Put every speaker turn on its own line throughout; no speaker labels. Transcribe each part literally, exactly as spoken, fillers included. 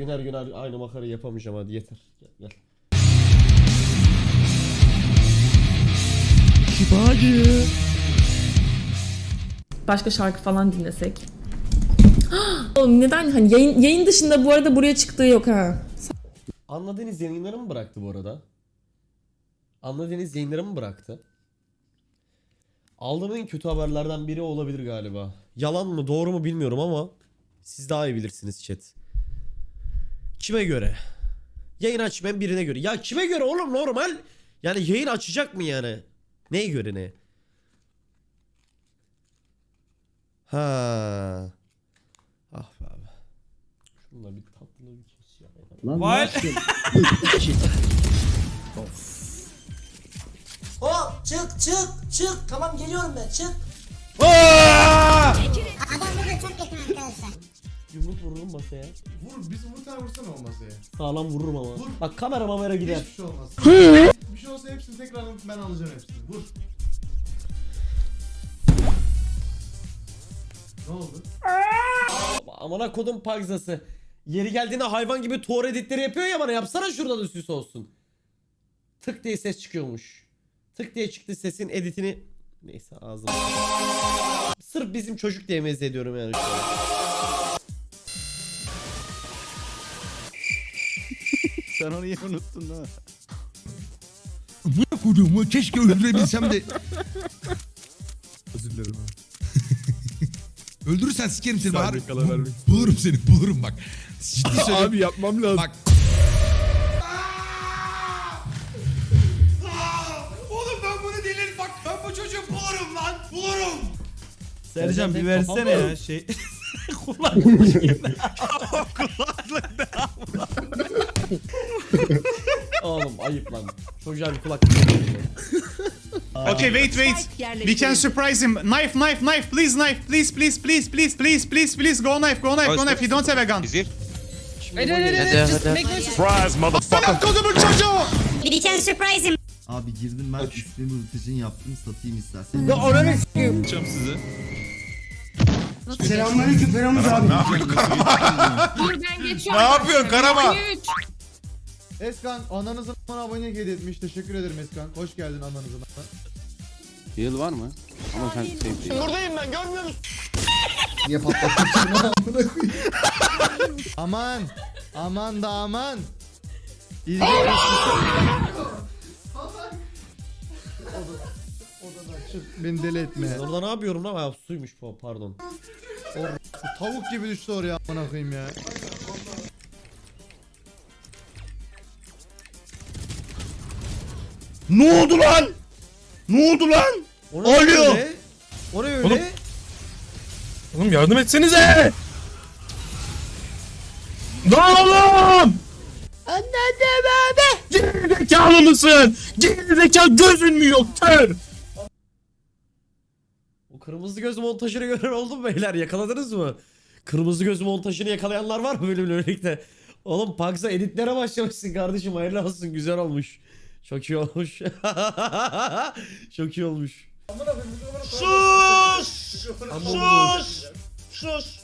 yayın her gün aynı makarayı yapamayacağım, hadi yeter. Gel gel. Şifacı.
Başka şarkı falan dinlesek. Oğlum neden hani yayın, yayın dışında bu arada buraya çıktığı yok ha.
Anladığınız yayınları mı bıraktı bu arada? Anladığınız yayınları mı bıraktı? Aldığım en kötü haberlerden biri olabilir galiba. Yalan mı doğru mu bilmiyorum ama siz daha iyi bilirsiniz chat. Kime göre? Yayın açmayan birine göre. Ya kime göre oğlum, normal? Yani yayın açacak mı yani? Neye göre ne? Ha. Ah be abi. Şununla bir tatlı bir kes ya.
Lan
Vay.
Of.
Hop çık çık çık. Tamam geliyorum ben çık.
Aa!
Adam burada çok yakın arkadaşlar.
Yumruk vururum masaya.
Vur, bizim vur tane vursana o masaya.
Sağlam vururum ama.
Vur.
Bak kamera mamera gider.
Hiçbir şey olmaz. Bir şey olsa hepsini tekrar alıp ben alacağım hepsini. Vur. Ne oldu?
Amına kodum pagzası. Yeri geldiğinde hayvan gibi tuğra editleri yapıyor ya bana. Yapsana şuradan da süs olsun. Tık diye ses çıkıyormuş. Tık diye çıktı sesin editini. Neyse ağzım. Sırf bizim çocuk diye meze ediyorum yani şu an.
Sen onu iyi unuttun değil mi?
Amına koyduğumu keşke öldürebilsem de.
Özür dilerim abi.
Öldürürsen sikerim seni. Bahar.
Kala vermek.
Bulurum seni, bulurum bak. Ciddi söylüyorum.
Abi yapmam lazım.
Bak. Oğlum ben bunu delirim bak. Ben bu çocuğu bulurum lan. Bulurum.
Sercan bir
Sercan,
versene
kafam
ya şey. Kulaklık yerine. Kulaklık ne?
Oğlum ayıp lan. Çocuğa bir kulak.
Okay, wait, wait. We can surprise him. Knife, knife, knife. Please, knife. Please, please, please, please, please, please, please. Go knife, go knife, go knife. He don't have a gun.
Surprise motherfucker.
Kodumun çocuğu.
We can surprise him.
Abi girdim ben üstüne rutin yaptım satayım istersen.
Ya oraya
Yapacağım size.
Selamünaleyküm Feramuz abi.
Dur ben geçiyorum.
Ne yapıyorsun Karama?
Üç.
Eskan ananızın abone hediye etmiş. Teşekkür ederim Eskan. Hoş geldin ananızın.
Yıl var mı? Ama sen sevdiğin.
Buradayım ben, görmüyor musun?
Niye patlattın seni amına koyayım? Aman. Aman da aman. İlgi Odadan çık. Beni deli etme.
Ben orada ne yapıyorum lan? Ha, suymuş bu, pardon.
O tavuk gibi düştü oraya amına koyayım ya.
Ne oldu lan? Ne oldu lan?
O ne
Alo.
öyle? O ne öyle?
Oğlum. Oğlum yardım etsenize. Lan oğlum! Anne bebe! Gerizekalı mısın? Gerizekalı gözün mü yok kör?
O kırmızı göz montajını gören oldu mu beyler? Yakaladınız mı? Kırmızı göz montajını yakalayanlar var mı bölümle birlikte? Oğlum Pagza editlere başlamışsın kardeşim, hayırlı olsun, güzel olmuş. Çok iyi olmuş. Çok iyi olmuş.
Sus! Sus! Sus!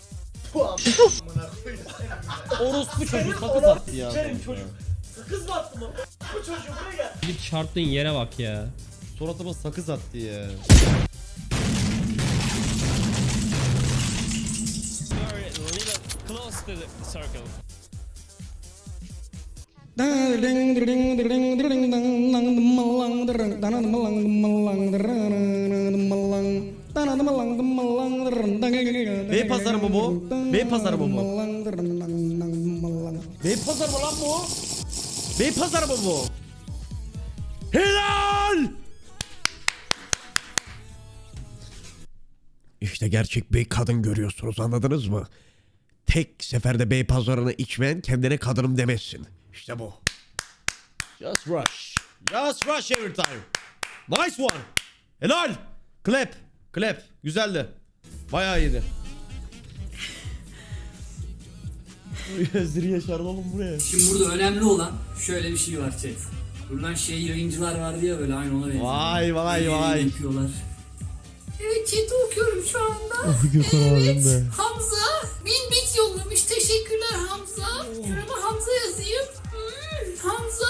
Orospu çocuk sakız attı ya.
Sakız mı attım o? Bu çocuğu buraya gel.
Bir çarptığın yere bak ya.
Suratıma sakız attı ya. Bey pazarı mı bu? Bey pazarı mı bu? Bey pazarı mı lan bu? Bey pazarı mı bu? Helal! İşte gerçek bey kadın görüyorsunuz, anladınız mı? Tek seferde bey pazarını içmeyen kendine kadınım demezsin. İşte bu. Just rush. Just rush every time. Nice one. Helal. Clap. Clap. Güzeldi. Bayağı iyiydi. Gözleri yaşardı oğlum buraya.
Şimdi burada önemli olan şöyle bir şey var chat. Buradan şey yayıncılar vardı ya böyle aynı ona benziyor.
Vay vay
Böyle
vay.
yapıyorlar. Evet chat'i okuyorum şu anda.
Oh, Gökhan abim be.
Hamza bin bit yollamış. Teşekkürler Hamza.
Şurada Hamza yazayım. Hmm, Hamza.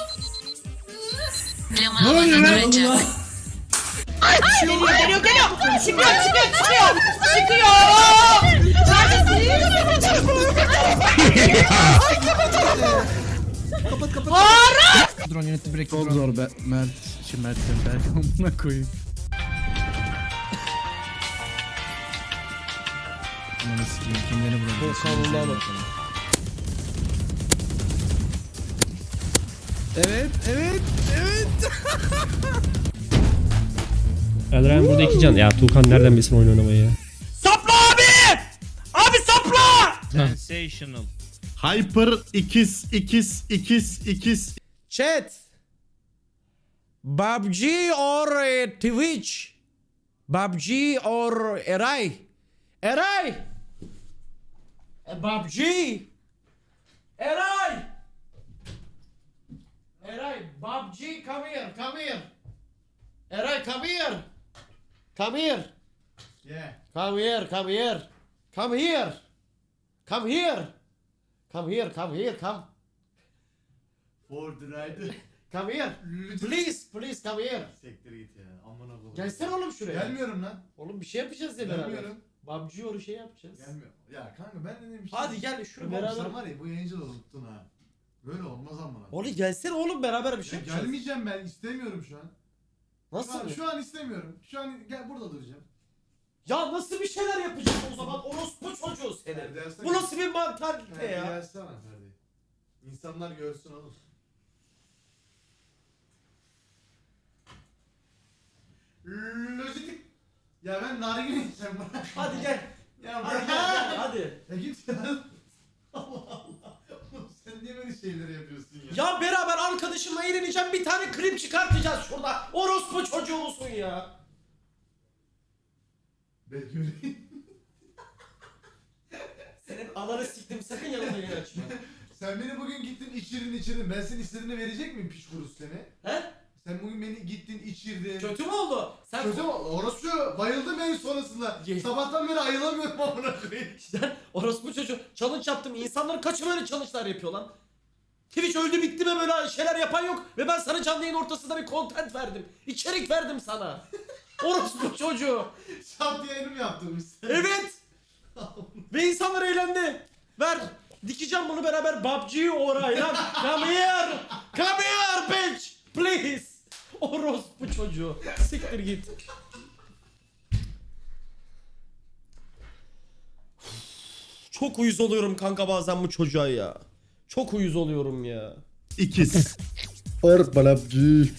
Ne oluyor lan?
Geliyor geliyor geliyor. Çıkıyor çıkıyor çıkıyor. Çıkıyor.
Kapat kapat.
Drone yönetti break.
Çok zor be. Mert. Şimdi Mert Berk amına koyayım. Ananı sikeyim kimleri vurabilir? Evet, evet, evet.
Elren burada iki can. Ya Tuğkan nereden bilsin oyun oynamayı ya?
Sapla abi! Abi sapla!
Sensational.
Hyper ikiz ikiz ikiz ikiz.
Chat. B U B G or eh, Twitch? B U B G or Eray? Eray! Eh, B U B G! Eray! Eray, B U B G, come here, come here. Eray, come here. Come here.
Yeah.
Come here, come here. Come here. Come here. Come here, come here, come.
For the ride.
Come here. Please, please come here.
Sektir git ya. Amına koyayım.
Gelsene oğlum şuraya.
Gelmiyorum lan.
Oğlum bir şey yapacağız ya beraber.
Gelmiyorum.
B U B G or şey yapacağız.
Gelmiyorum. Ya kanka ben de demiştim.
Hadi gel şuraya
Beraber.
beraber.
Sen var ya bu yayıncılığı unuttun ha. Böyle olmaz amına.
Oğlum gelsene oğlum beraber bir şey
Ya
yapacağız.
gelmeyeceğim ben istemiyorum şu an. Şu
Nasıl?
an,
bir-
şu an istemiyorum. Şu an gel burada duracağım.
Ya nasıl bir şeyler yapacağız o zaman? Orospu çocuğu seni.
Dersen-
Bu nasıl bir mantalite
Ferdi
ya?
gelsene Ferdi. İnsanlar görsün oğlum. Lojistik. Ya ben nargile içeceğim bırak.
Hadi gel.
Ya
Hadi
bırak.
gel, gel hadi.
Ya git ya. Allah Allah. Oğlum sen niye böyle şeyleri yapıyorsun ya?
Ya beraber arkadaşımla eğleneceğim, bir tane klip çıkartacağız şurada. Orospu çocuğu musun ya?
Ben göreyim.
Senin ananı siktim, sakın yanımda yer açma.
Sen beni bugün gittin içirdin içirdin. Ben senin istediğini verecek miyim piç kurusu seni?
He?
Sen bugün beni gittin içirdin.
Kötü mü oldu? Sen
Kötü mü? Orası şu. Bayıldım en sonrasında.
Ye-
Sabahtan beri ayılamıyorum amına koyayım.
Sen orospu çocuğu challenge yaptım. İnsanların kaçı böyle challenge'lar yapıyor lan? Twitch öldü bitti mi böyle şeyler yapan yok. Ve ben sana canlı yayın ortasında bir content verdim. İçerik verdim sana. Orospu çocuğu.
Şant yayını mı yaptırmışsın?
Evet. Ve insanlar eğlendi. Ver. Dikeceğim bunu beraber. B U B G orayla. Come here. Come here bitch. Please. Orospu çocuğu. Siktir git. Çok uyuz oluyorum kanka bazen bu çocuğa ya. Çok uyuz oluyorum ya.
İkiz.
For B U B G.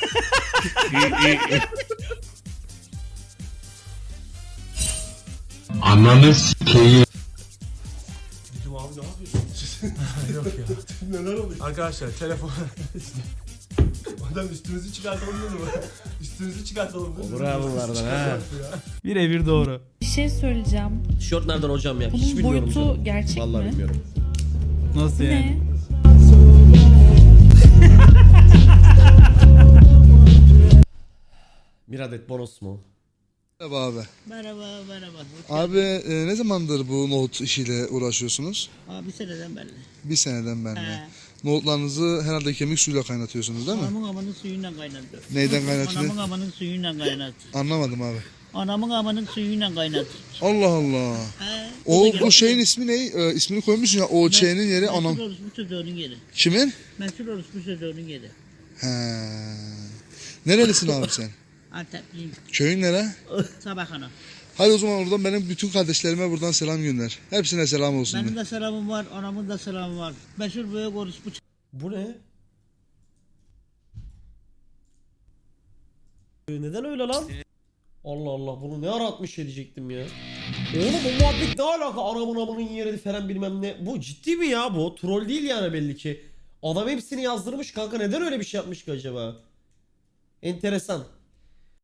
Ananı sikeyim.
Arkadaşlar telefon. Adam üstümüzü çıkartalım dedi mi? Üstümüzü çıkartalım dedi mi?
Bravo vardan ha.
Birebir doğru.
Bir şey söyleyeceğim.
Tişört nereden hocam ya? Hiç
Bunun
bilmiyorum
boyutu
canım.
gerçek
Vallahi
mi?
bilmiyorum.
Nasıl yani?
Ne?
Bir adet bonus mu?
Merhaba abi.
Merhaba merhaba.
Abi e, ne zamandır bu nohut işiyle uğraşıyorsunuz?
Abi bir seneden beri.
Bir seneden beri.
He.
Nohutlarınızı herhalde kemik suyuyla kaynatıyorsunuz değil mi?
Anamın amanın suyuyla kaynattı.
Neyden kaynatıyor?
Anamın amanın suyuyla kaynattı.
Anlamadım abi.
Anamın amanın suyuyla kaynattı.
Allah Allah.
He.
O bu şeyin ismi ne? E, ismini koymuşsun ya. O şeyinin yeri anam.
Meşhur orospu çocuğunun yeri.
Kimin?
Meşhur orospu çocuğunun yeri.
He. Nerelisin abi sen?
Antepliyim.
Köyün nere?
Sabahana.
Hadi o zaman oradan benim bütün kardeşlerime buradan selam gönder. Hepsine selam olsun.
Benim
de.
de selamım var, anamın da selamı var. Meşhur büyük orospu
Bu ne? Neden öyle lan? Allah Allah, bunu ne ara atmış edecektim ya. Oğlum bu muhabbet ne alaka? Anamın amının yeri falan bilmem ne. Bu ciddi mi ya bu? Troll değil yani belli ki. Adam hepsini yazdırmış kanka, neden öyle bir şey yapmış ki acaba? Enteresan.